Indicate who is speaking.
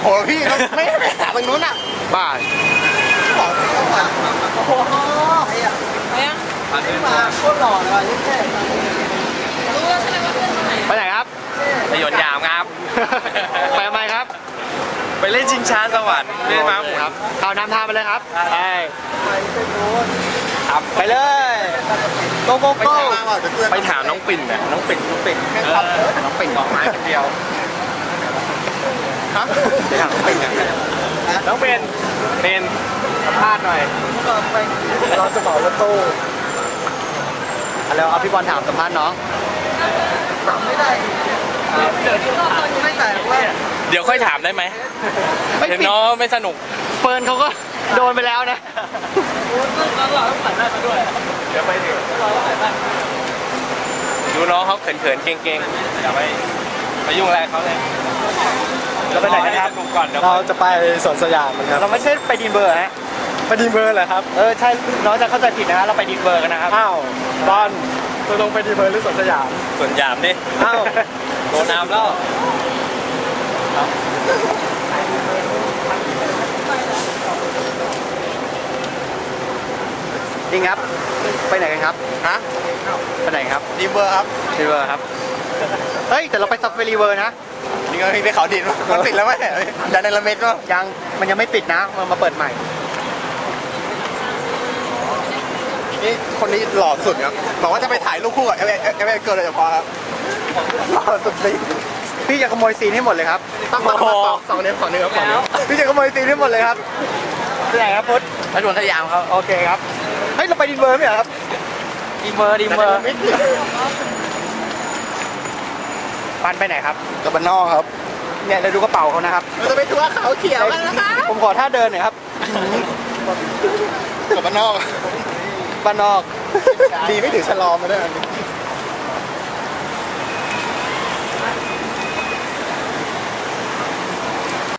Speaker 1: หพี่ไม่ไปหาตรงนู้นอ่ะ
Speaker 2: บ้า
Speaker 1: บอกโอ้โหไอ้อะไม่มาโคตรหล่อเลยยิ่งแค่
Speaker 3: รู้แล้วใช่ไหมว่าเพื่อนคนไหน
Speaker 2: ไปไหนครับ
Speaker 4: ไปหยดหยามครับ
Speaker 2: ไปทำไมครับ
Speaker 4: ไปเล่นชิงช้าสวรรค์เล่นม้าหมุน
Speaker 2: ครับเอานำทางไปเลยครับไป
Speaker 1: ครับ
Speaker 2: ไปเลยโกโกโก้
Speaker 4: ไปถามน้องปิ่นนะน้องปิ่น
Speaker 2: น้องปิ่นออกไม้คนเดียว
Speaker 1: ฮะ
Speaker 2: ไปถามน้องปิ่นกันน้องเป็นสัมภาษณ์หน่อย
Speaker 1: เราจะบอกรถตู้
Speaker 2: แล้วเอาพี่บอลถามสัมภาษณ์น้อง
Speaker 1: ถามไม่ได้ไม่แต่ว่า
Speaker 4: เดี๋ยวค่อยถามได้ไหมเห็นน้องไม่สนุก
Speaker 2: เฟิร์นเขาก็โดนไปแล้วนะ
Speaker 3: เราต้องผ่านได้มาด้วย
Speaker 4: เดี๋ยวไปถึงดูน้องเขาเขินๆเก่งๆอย่าไปยุ่งอะไรเขาเลย
Speaker 2: เราไปไหนกันครับ
Speaker 4: ก่อน
Speaker 1: เราจะไปสวนสยามครับ
Speaker 2: เราไม่ใช่ไปดีเบอร์ฮะ
Speaker 1: ไปดีเบอร์เหรอครับ
Speaker 2: ใช่น้องจะเข้าใจผิดนะเราไปดีเบอร์กันนะครับ
Speaker 1: อ้าวบอลตัวลงไปดีเบอร์หรือสวนสยาม
Speaker 4: สวนสยามดิ
Speaker 1: อ้าว
Speaker 4: โดนน้ำแล้ว
Speaker 2: จริงครับไปไหนกันครับ
Speaker 1: ฮะ
Speaker 2: ไปไหนครับ
Speaker 1: ดีเบอร์ครับ
Speaker 2: ดีเบอร์ครับเฮ้ยแต่เราไปซัฟเฟอรีเวอร์นะ
Speaker 1: นี่ก็ไปเขาดินมันปิดแล้วไหมดันในละเม็ดมั้ง
Speaker 2: มันยังไม่ปิดนะมันมาเปิดใหม่
Speaker 1: นี่คนนี้หล่อสุดครับบอกว่าจะไปถ่ายรูปคู่กับเอเวเกิร์ลเลยพอครับหล่อสุดจริง
Speaker 2: พี่จะขโมยซีนให้หมดเลยครับ
Speaker 1: ตั้งมาสองเนื้อครับ
Speaker 2: พี่จะขโมยซีนให้หมดเลยครับไปไหนครับพุทธ
Speaker 4: ไปสวนสยามครับ
Speaker 2: โอเคครับเฮ้ยเราไปดีเบอร์ไหมครับดีเบอร์ปันไปไหนครับ
Speaker 1: กับบ้านนอกครับ
Speaker 2: เนี่ยเราดูกระเป๋าเขานะครับ
Speaker 1: เราจะไปทัวร์เขาเขียวกันนะคะ
Speaker 2: ผมขอท่าเดินหน่อยครับ
Speaker 1: กับบ้านนอก
Speaker 2: บ้านนอก
Speaker 1: ดีไม่ถึงชะลอมาด้วย